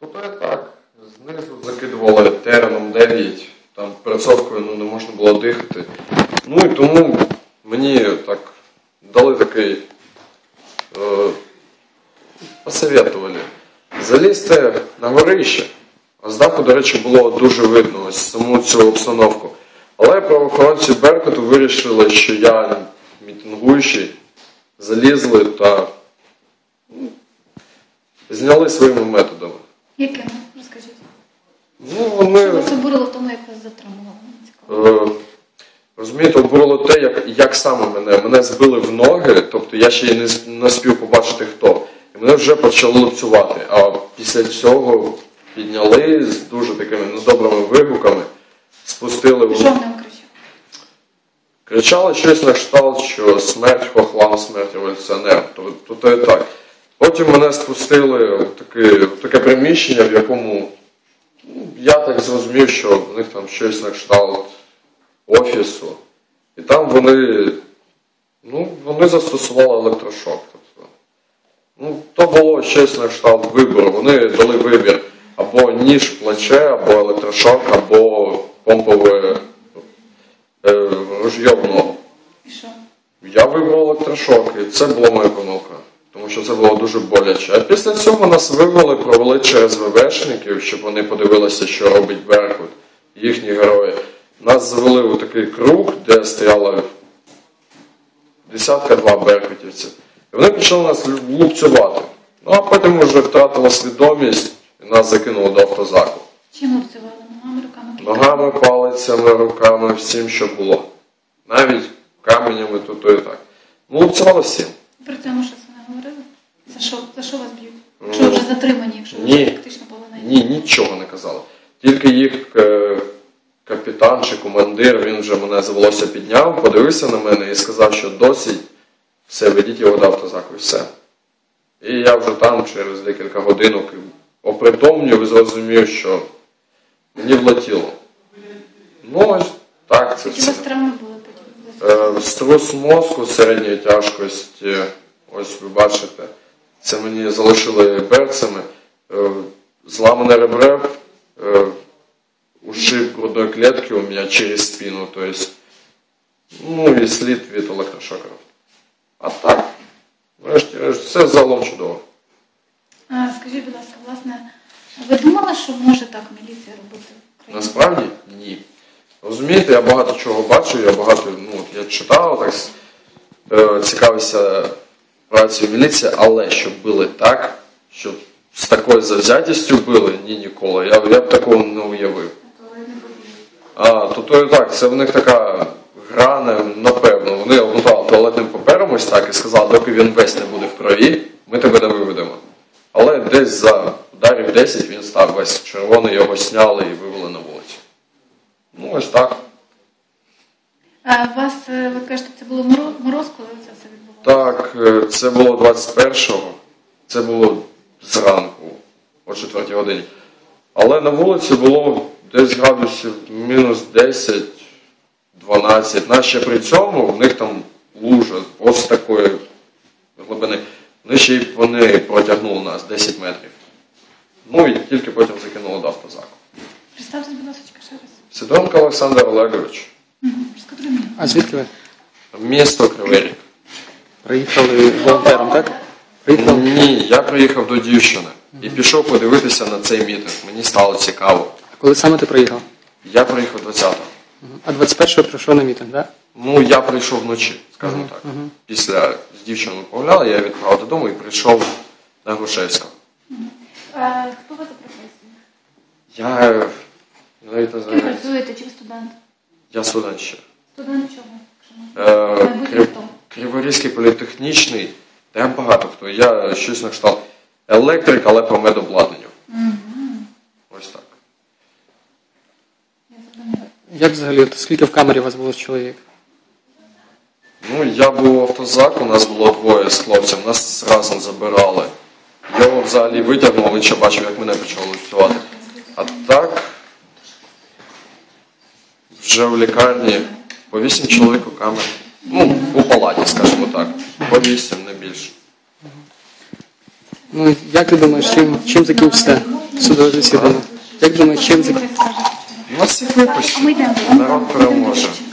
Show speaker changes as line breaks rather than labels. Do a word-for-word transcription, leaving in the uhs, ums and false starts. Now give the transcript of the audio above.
Тобто так, знизу закидували тереном дев'ять, там перцовкою ну, не можна було дихати. Ну і тому мені так дали такий, е, посоветували залізти на горище. А з даху, до речі, було дуже видно ось саму цю обстановку. Але правоохоронці Беркуту вирішили, що я мітингуючий, залізли та ну, зняли своїми методами.
Якими? Розкажіть.
Ну, вони...
Що вас обурило в тому, як вас затримували?
Е, розумієте, обурило те, як, як саме мене. Мене збили в ноги, тобто я ще й не, не спів побачити хто. І мене вже почали лупцювати. А після цього підняли з дуже такими недобрими вигуками, спустили в...
Що вони вам кричали?
Кричали щось на кшталт, що смерть хохлам, смерть революціонер. Тобто то і так. Потім мене спустили в таке, в таке приміщення, в якому ну, я так зрозумів, що в них там щось на кшталт офісу. І там вони, ну, вони застосували електрошок. Тобто, ну, то було щось на кшталт вибору. Вони дали вибір або ніж в плече, або електрошок, або помпове е, ружьє в ногу.
І що?
Я вибрав електрошок, і це була моя помилка. Тому що це було дуже боляче. А після цього нас вивели, провели через ВВшників, щоб вони подивилися, що робить Беркут, їхні герої. Нас завели у такий круг, де стояло десятка-два беркутівців. І вони почали нас лупцювати. Ну а потім вже втратила свідомість і нас закинули до автозаку.
Чим лупцювали? Ногами, руками?
Ногами, палицями, руками, всім, що було. Навіть каменями тут і так. Ну, лупцювали всім.
При цьому щось вони говорили? За що, за що вас б'ють? Якщо ви вже затримані, якщо ви
Ні.
вже фактично полонені?
Ні, нічого не казали. Тільки їх е, капітан чи командир, він вже мене за волосся підняв, подивився на мене і сказав, що досить, все, ведіть його до автозаку і все. І я вже там через декілька годинок опритомнів і зрозумів, що мені влетіло. Ну ось так це
Які у
все.
вас травми були потім?
Е, струс мозку середньої тяжкості, ось ви бачите, це мені залишили берцями, е, зламане ребре, е, ушиб грудної клітки у мене через спину, то есть, ну і слід від електрошокерів. А так, врешті, все загалом чудово.
А, скажіть, будь ласка, власне, ви думали, що може так міліція робити в Україні?
Насправді ні. Розумієте, я багато чого бачу, я багато, ну, я читав, так, е, цікавився працею міліції, але щоб били так, щоб з такою завзятістю били, ні, ніколи. Я, я б такого не уявив. А, то то і так, це в них така гра, напевно. Вони обмотали туалетним папером ось так і сказали, доки він весь не буде в крові, ми тебе не виведемо. Але десь за ударів десять він став весь червоний, його сняли і вивели на вулицю. Ну, ось так.
А у вас, ви кажете, це було мороз, мороз коли це все відбувалося?
Так, це було двадцять першого, це було зранку, о четвертій годині. Але на вулиці було десь градусів мінус десять-дванадцять. Наче при цьому в них там лужа ось такої глибини. Вони ще й вони протягнули нас десять метрів. Ну і тільки потім закинули до автозаку.
Представтесь, будь ласка, ще раз.
Сидоренко Олександр Олегович.
Угу. Розкажіть мені.
А звідки ви?
Місто Кривий Ріг.
Приїхали волонтером, так? Приїхали?
Ні, я приїхав до дівчини і пішов подивитися на цей мітинг. Мені стало цікаво.
А коли саме ти приїхав?
Я приїхав двадцятого.
А двадцять першого прийшов на мітинг, так?
Ну, я прийшов вночі, скажімо так. Після з дівчиною погуляли, я відправив додому і прийшов на Грушевського.
А, хто ви за професією?
Я навіть не
Ким
знаю.
працюєте? Чи ви студент?
Я студент ще.
Студент чого? Якщо можна?
Е,
Майбутнє
Крив...
хто?
Криворізький політехнічний, та я багато хто. Я щось на кшталт електрик, але по медобладнанню. Ось так.
Я зрозуміла.
Як взагалі, от скільки в камері у вас було чоловік?
Ну, я був в автозаку, у нас було двоє з хлопцем, нас разом забирали. Його взагалі витягнув, він ще бачив, як мене почало лупцювати. А так, вже в лікарні по вісім чоловік у камері. Ну, у палаті, скажімо так. По вісім, не більше.
Ну, як ти думаєш, чим, чим закінчиться Судове засідання. Як думаєш, чим
Ви
зак...
скажете?
У нас всіх випустять.
А ми йдемо.
Народ переможе.